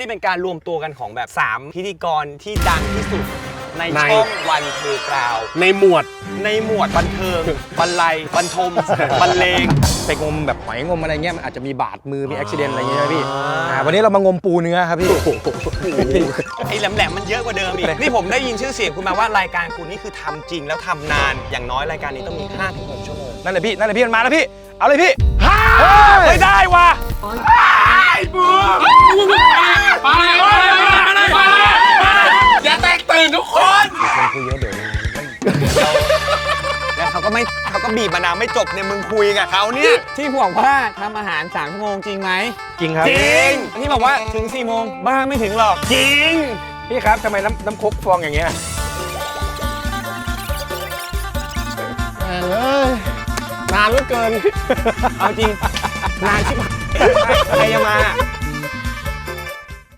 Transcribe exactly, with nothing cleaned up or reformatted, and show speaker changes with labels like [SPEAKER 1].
[SPEAKER 1] เป็นการรวมตัวกันของแบบสามพิธีกรที่ดังที่สุดในช่องวันเทกราว
[SPEAKER 2] ในหมวด
[SPEAKER 1] ในหมวดบันเทิงบรรลัยบรรทมบรรเลง
[SPEAKER 3] ไปงมแบบหอยงมอะไรเงี้ยมันอาจจะมีบาดมือมีอุบิเหตุอะไรอย่างเงี้ยใช่ไหมพี่วันนี้เรามางมปูเนื้อครับพี่
[SPEAKER 1] ไอ้แหลมๆมันเยอะกว่าเดิมอีกนี่ผมได้ยินชื่อเสียงคุณมาว่ารายการคุณนี่คือทำจริงแล้วทำนานอย่างน้อยรายการนี้ต้องมี ห้าถึงหก ชั่วโมง
[SPEAKER 3] นั่นแหละพี่นั่นแหละพี่มันมาแล้วพี่เอาเลยพี่
[SPEAKER 1] ไม่ได้ว่ะ
[SPEAKER 2] ไอ้บูไปไปอย่าแตกตื่นทุกคน
[SPEAKER 3] คุยเยอะเดี๋ยว
[SPEAKER 1] แล้วเขาก็ไม่เขาก็บีบมะนาวไม่จบเนี่ยมึงคุยกับเขาเนี่ยที่บอกว่าทำอาหารสามชั่วโมงจริงไหม
[SPEAKER 3] จริงครับ
[SPEAKER 1] จริงที่บอกว่าถึงสี่โมงบ้าไม่ถึงหรอกจริง
[SPEAKER 3] พี่ครับทำไมน้ำน้ำคกฟองอย่างเงี้ย
[SPEAKER 1] นานเหลือเกินเอาจริงนานชิบหายใครจะมา